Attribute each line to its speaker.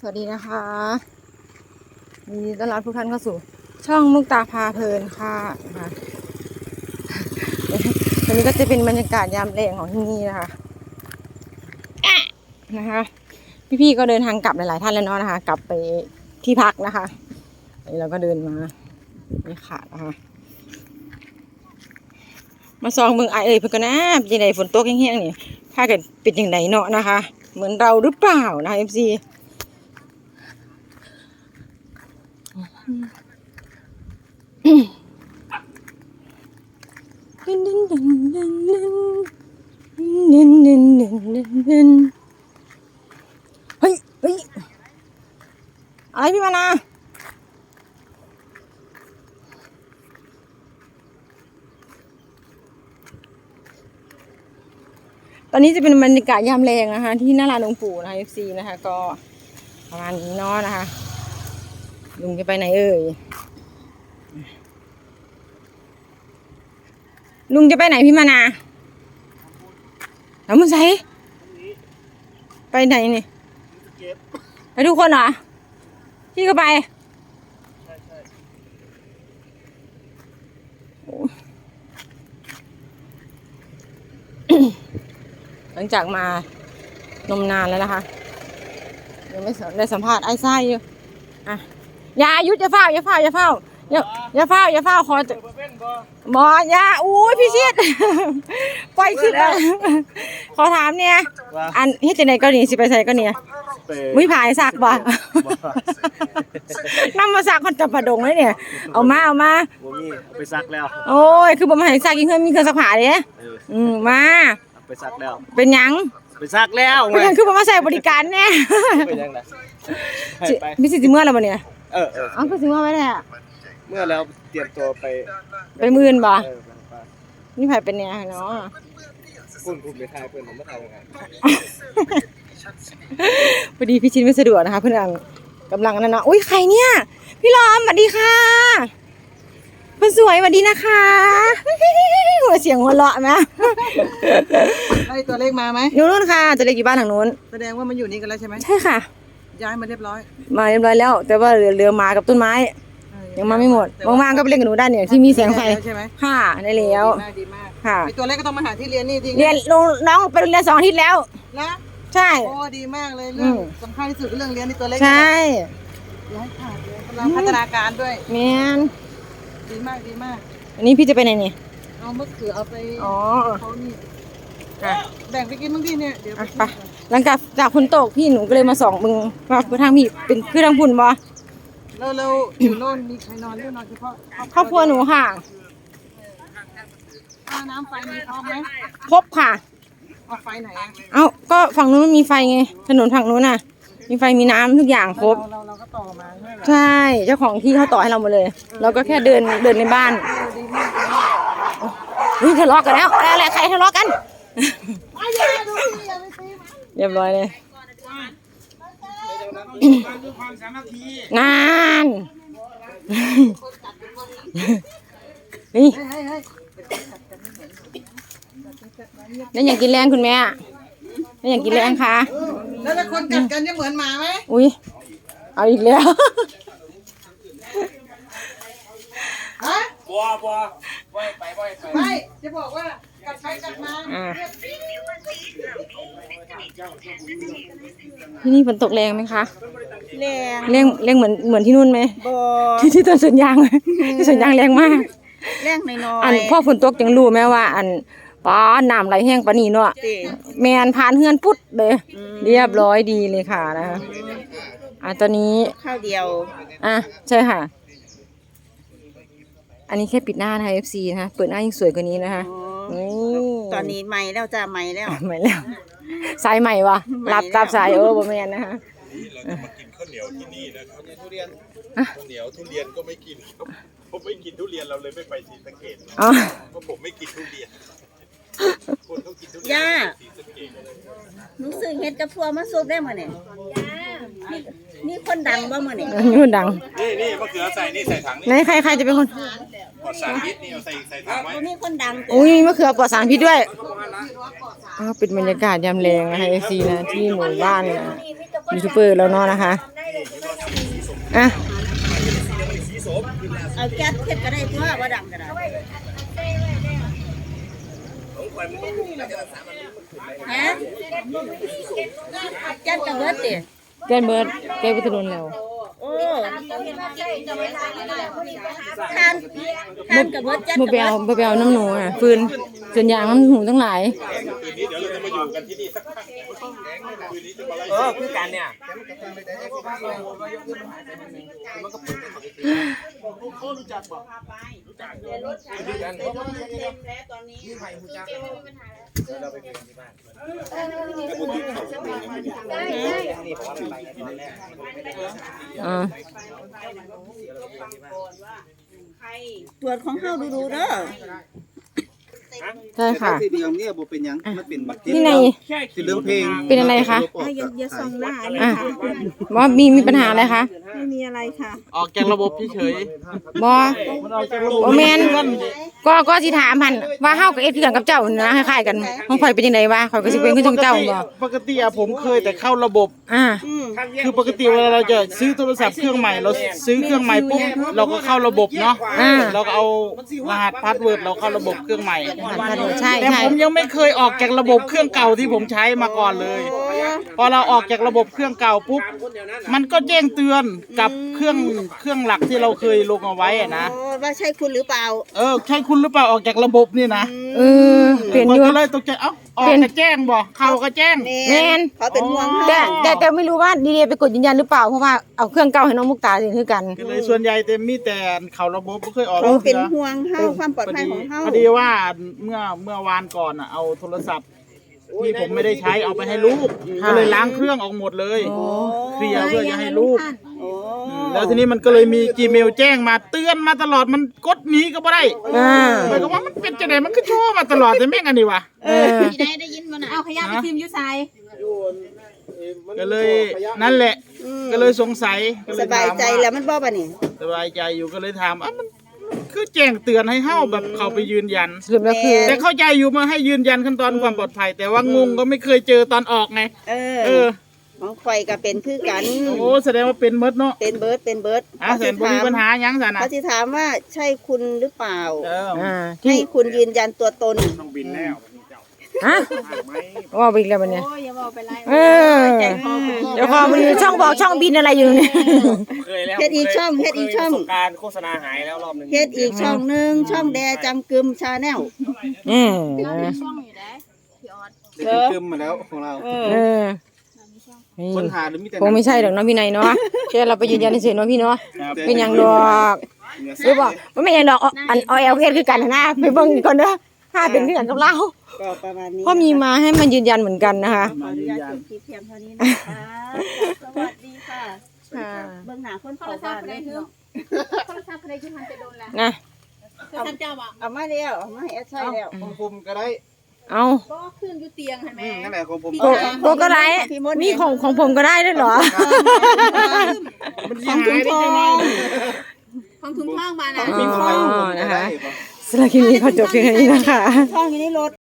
Speaker 1: วัสดีนะคะยินดีต้อนรับทุกท่านเข้าสู่ช่องมุกตาพาเพลินค่ะนะคะวันนี้ก็จะเป็นบรรยากาศยามแลงของที่นี่นะคะพี่ๆก็เดินทางกลับหลายๆท่านแล้วเนาะนะคะกลับไปที่พักนะคะนี่เราก็เดินมาไม่ขาดนะคะมาซองเมืองไอเพื่อนกันนะยังไงฝนตกแห้งๆนี่ถ้าเกิดเป็นอย่างไรเนาะนะคะเหมือนเราหรือเปล่านะFCเฮ้ยอะไรพี่มานาตอนนี้จะเป็นบรรยากาศยามแลงนะคะที่หน้าลานหลวงปู่นะคะ FC นะคะก็ประมาณนี้เนาะนะคะลุงจะไปไหนเอ่ยลุงจะไปไหนพี่มานาแล้วมึงใส่ไปไหนนี่ไปทุกคนเหรอพี่ก็ไปหลังจากมานมนานแล้วนะคะยังไม่ได้สัมภาษณ์ไอ้ไส้อยู่อ่ะอย่าหยุดอย่าเฝ้าขอหมอยาอุ้ยพี่ชิดปล่อยคลิปไปขอถามเนี่ยอันเฮ็ดจังได๋ก็นี่สิไปใส่ก็เนี่ยวิผายซักบ่นำมาซักคนจับประดงเลยเนี่ยเอามาบ่มี
Speaker 2: ไปซักแล้ว
Speaker 1: โอ้ยคือบ่มาให้ซักอีกเพิ่นมีเครื่องซักผ้าเด้มา
Speaker 2: ไปซักแล้ว
Speaker 1: เป็นหยัง
Speaker 2: ไปซักแล้ว
Speaker 1: เป็นหยังคือบ่มาใช้บริการแน่
Speaker 2: เป็นหยังล่ะ
Speaker 1: มีสิเมื่อแล้วบ่เนี่ย
Speaker 2: เอา
Speaker 1: คือสิเมื่อไว้แท้
Speaker 2: เมื่อแล้วเตรียมตัว
Speaker 1: ไปมื้อนบ่นี่ไผเป็นแน่เนาะ
Speaker 2: คุณไปทายเพิ่นผมบ่ทายยังไง
Speaker 1: พอดีพี่ชินไม่สะดวกนะคะเพื่อนกำลังนั่นเนาะอุ้ยใครเนี่ยพี่ล้อมสวัสดีค่ะคนสวยสวัสดีนะคะหัวเสียงหัวเราะไหม
Speaker 3: ไอ้ตัวเล็กมาไหม
Speaker 1: นู่นค่ะตัวเล็กอยู่บ้านทางนู้น
Speaker 3: แสดงว่ามันอยู่นี่กันแล้วใช่ไหม
Speaker 1: ใช่ค่ะ
Speaker 3: ย้ายมาเรียบร้อย
Speaker 1: แล้วแต่ว่าเหลือมากับต้นไม้ยังมาไม่หมดว่างๆก็ไปเล่นกับหนูได้เนี่ยที่มีแสงไฟ
Speaker 3: ใช่ไหม
Speaker 1: ค่ะได้แล้ว
Speaker 3: ดีมาก
Speaker 1: ค่ะ
Speaker 3: ไอ้ตัวเล็กก็ต้องมาหาที่เรียนนี่ที
Speaker 1: เรียนน้องไปเรียน2 อาทิตย์แล้ว
Speaker 3: นะ
Speaker 1: ใช่
Speaker 3: โอ้ดีมากเลยเรื่องสำคัญที่สุดเรื่องเรียนนี่ตัวเล็ก
Speaker 1: ใช่
Speaker 3: ย้ายขาดเลยกำลังพัฒนาการด้วย
Speaker 1: แมน
Speaker 3: ดีมาก
Speaker 1: อันนี้พี่จะไปไหนนี่
Speaker 3: เอามะเขือเอาไปเขานี่แบ่งไปกินบ้างพี่เนี่ยเดี๋ยว
Speaker 1: ไปหลังจากฝนตกพี่หนูก็เลยมาส่องมึงว่าคือทางพี่เป็นคือทางพุ่นบ่
Speaker 3: แล้วอยู่โน่นมีใครนอนหรือนอนเฉพาะ
Speaker 1: ครอบครัวหนูค่ะ
Speaker 3: น้ำไฟมีพร้อมไหม
Speaker 1: ครบค่ะ
Speaker 3: เอาไฟไหน
Speaker 1: ก็ฝั่งนู้นมีไฟไงถนนฝั่งนู้นน่ะมีไฟมีน้ำทุกอย่างครบ
Speaker 3: เราก็ต่อมา
Speaker 1: ใช่เจ้าของที่เขาต่อให้เราหมดเลยเราก็แค่เดินในบ้านทะเลาะกันแล้วอะไรใครทะเลาะกันเรียบร้อยเลยนานนี่แล้วอยากกินแรงคุณแม่แล้วอยากกินแรงค่ะ
Speaker 3: แล้วถ้าคนกัดกันจะเหมือนหมาไหม
Speaker 1: อุ้ยเอาอีกแล้ว
Speaker 2: บัว
Speaker 3: ไม่จะบอกว่ากัดไปกัดมา
Speaker 1: ที่นี่ฝนตกแรงไหมคะ
Speaker 3: แรง
Speaker 1: เหมือนที่นู่นไหมที่ต้นสวนยางที่สวนยางแรงมาก
Speaker 3: แรงน้อย
Speaker 1: อันพ่อฝนตกจังรู้ไหมว่าอันป้าน้ำไหลแห้งปะนี่เนาะแมนผ่านเฮือนพุดเลยเรียบร้อยดีเลยค่ะนะคะตอนนี้
Speaker 3: ข้าวเดียว
Speaker 1: ใช่ค่ะอันนี้แค่ปิดหน้านะคะ FC นะคะเปิดหน้ายิ่งสวยกว่านี้นะคะ
Speaker 3: ตอนนี้ใหม่แล้วจ้าใหม่แล้ว
Speaker 1: สายใหม่วะรับตามสายบ่แม่นนะคะ
Speaker 2: เรามากินข้าวเหนียวที่นี่นะครับทุเรียนข้าวเหนียวทุเรียนก็ไม่กินผมไม่กินทุเรียนเราเลยไม่ไปศรีสะเกษเพราะผมไม่กินทุเรียนคนเขากินทุเรียน
Speaker 3: ย่ารู้สึกเห็ดกระพัวมาซุปได้มั้ยเนี่ยนี่คนดังบ่มื้อนี่
Speaker 1: นี่คนดัง
Speaker 2: นี่มะเขือใส่นี่ใส่ถังนี่
Speaker 1: ไหนใครจะเป็นคน
Speaker 2: ปลอดสารพิษนี่เอาใส่ถังไว้
Speaker 3: นี่คนดัง
Speaker 1: อุ้ยมะเขือปลอดสารพิษด้วยเป็นบรรยากาศยามแลงนะคะ FC นะที่หมู่บ้านยูทูบเบอร์แล้วเนาะนะคะอ่ะ
Speaker 3: เอาแก๊สเฮ็ดก็ได้ตัวบ่ดังก็ได้ฮะแก๊สก็เบิดติ
Speaker 1: แกนเบิร์ดแกไปถนนแล้ว
Speaker 3: โอ้ทานก็เบิดแก๊ส
Speaker 1: บ่
Speaker 3: ก็
Speaker 1: ไป
Speaker 3: เบิ
Speaker 1: เอา
Speaker 3: ด
Speaker 1: บ่ไปเอาน้ำหนูอ่ะฟืนส่วนยางน้ำหนูทั้งหลาย
Speaker 2: คืนนี้เดี๋ยวเราจะมาอยู่กันที่นี่สักพักคืนนี้จะมาไล่
Speaker 4: คือกันเนี่ย
Speaker 1: อ่า
Speaker 3: ตรวจของเฮาดูๆเด้อ
Speaker 1: ใช่ค่ะ
Speaker 4: สีเหลืองเนี่ยบ่เป็นหยังมันเป็นบัตร
Speaker 1: นี่ใน
Speaker 4: สีเหลืองเพลง
Speaker 1: เป็นอะไรคะ
Speaker 3: อย่าส่องหน้าอันนี้
Speaker 1: อ่ะว่ามีปัญหาอะไรคะ
Speaker 3: ไม่มีอะไรค่ะ
Speaker 4: ออกจากระบบเฉย
Speaker 1: บอโอแมนก็สิถามพันว่าเฮากับเอฟคือกันกับเจ้านะคล้ายๆกันของข่อยเป็นยังไงวะข่อยก็สิเป็นคือจังเจ้าบ่
Speaker 5: ปกติอะผมเคยแต่เข้าระบบ
Speaker 1: อ่า
Speaker 5: คือปกติเวลาเราจะซื้อโทรศัพท์เครื่องใหม่เราซื้อเครื่องใหม่ปุ๊บเราก็เข้าระบบเนาะเราก็เอารหัสพาสเวิร์ดเราเข้าระบบเครื่องใหม่
Speaker 1: ใช่
Speaker 5: แต่
Speaker 1: ใช่
Speaker 5: ผมยังไม่เคยออกจากระบบเครื่องเก่าที่ผมใช้มาก่อนเลย พอเราออกจากระบบเครื่องเก่าปุ๊บมันก็แจ้งเตือนกับเครื่องหลักที่เราเคยลงเอาไว้อะนะ
Speaker 3: โอ้ว่าใช่คุณหรือเปล่า
Speaker 5: ใช่คุณหรือเปล่าออกจากระบบนี่นะ
Speaker 1: เออเปลี่ยนอยู่
Speaker 5: ก็เลยตกใจเอ้าออกก็แจ้งบ่เข้าก็แจ้ง
Speaker 1: แม่น
Speaker 3: เขาเป็นห่วงเฮา
Speaker 1: แต่ไม่รู้ว่าดีเดไปกดยืนยันหรือเปล่าเพราะว่าเอาเครื่องเก่าให้น้องมุกตาสิคือกัน
Speaker 5: ก็เลยส่วนใหญ่แต่มีแต่เขาระบบไม่เคยออก
Speaker 3: เขาเป็น
Speaker 5: ทื่อ
Speaker 3: ห่วงเฮาความปลอดภัยของเฮา
Speaker 5: พอดีว่าเมื่อวานก่อนอ่ะเอาโทรศัพท์ที่ผมไม่ได้ใช้เอาไปให้ลูกก็เลยล้างเครื่องออกหมดเลยเคลียร์เพื่อจะให้ลูก
Speaker 3: โอ้
Speaker 5: แล้วทีนี้มันก็เลยมี Gmail แจ้งมาเตือนมาตลอดมันกดหนีก็บ่ได้
Speaker 1: อ่า
Speaker 5: หมายความว่ามันเป็นจังไดมันก็โชว์มาตลอดแต่แม่งอันนี้วะ
Speaker 3: ได้ยินบ่น่ะเอาขยะไปทิมอยู่ไส
Speaker 5: ก็เลยนั่นแหละ ก็เลยสงสัยก็เล
Speaker 3: ส
Speaker 5: ย
Speaker 3: บาย
Speaker 5: ถาม
Speaker 3: ใจ
Speaker 5: ว่า
Speaker 3: แล้วมันบ่บัดนี้
Speaker 5: สบายใจอยู่ก็เลยถามมันคือแจ้งเตือนให้เฮาแบบเขาไปยืนยัน
Speaker 1: สรุปแล้วคือ
Speaker 5: แต่เข้าใจอยู่มาให้ยืนยันขั้นตอนความปลอดภัย แต่ว่างงก็ไม่เคยเจอตอนออกไง เออ
Speaker 3: ของข่อยก็เป็นคือกัน
Speaker 5: โอ้แสดงว่าเป็นมดเนาะ
Speaker 3: เป็นเบิร์ด
Speaker 5: แสนบ่มีปัญหาหยังซะนะ
Speaker 3: เขาสิถามว่าใช่คุณหรือเปล่า
Speaker 1: อ่า
Speaker 3: ให้
Speaker 1: ที่
Speaker 3: คุณยืนยันตัวตน
Speaker 1: ฮะว่าไปอีกแล้วบัดเนี่ย
Speaker 3: โอ้ยอย่าบอกไปไร
Speaker 1: เออเดี๋ยวพอมันมีช่องบอกช่องบินอะไรอยู่เนี่ย
Speaker 4: เคยแล้ว
Speaker 3: เฮ็ดอีกช่อง
Speaker 4: เคยประสบการณ์โฆษณาหายแล้วรอบหนึง
Speaker 3: เฮ็ดอีกช่องหนึงช่องแดจำกึมชาแนล
Speaker 1: อืม
Speaker 4: กึมมาแล้วของเรา
Speaker 1: เออนี่
Speaker 4: ค้นหาหรือมีแต่
Speaker 1: คงไม่ใช่หรอกเนาะพี่นายเนาะแค่เราไปยืนยันเฉยๆเนาะพี่เนาะเป็นหยังดอกหรือบอกว่าไม่หยังดอกอันอเอลเพคือกันนะไปเบิ่งก่อนเด้อถ้าเป็นเรื่องกับเรา
Speaker 3: ก็ประมาณนี้
Speaker 1: เพราะมีมาให้มันยืนยันเหมือนกันนะคะ
Speaker 3: ขออนุญาตจบคลิปเพียงเท่านี้นะคะสวัสดีค่ะ
Speaker 1: ค่ะ
Speaker 3: เบิ่งหน้าคนเข้าบ้านเลยเนาะ
Speaker 1: นะ
Speaker 3: เอามาแล้วเอามาให้แอดใช้แล้ว
Speaker 4: ของผมก็ได้
Speaker 1: เอา
Speaker 4: นั่นแหละของผม
Speaker 1: โกก็ได้มีของผมก็ได้ด้วยเหรอ
Speaker 5: มันสิหายได้จังไง
Speaker 3: ของถุงทองมา
Speaker 1: อ๋
Speaker 3: นะ
Speaker 1: อนะคะสำหรับคลิปนี้ขอจบเพียงเท่านี้นะคะ
Speaker 3: ทองอยู่ในรถ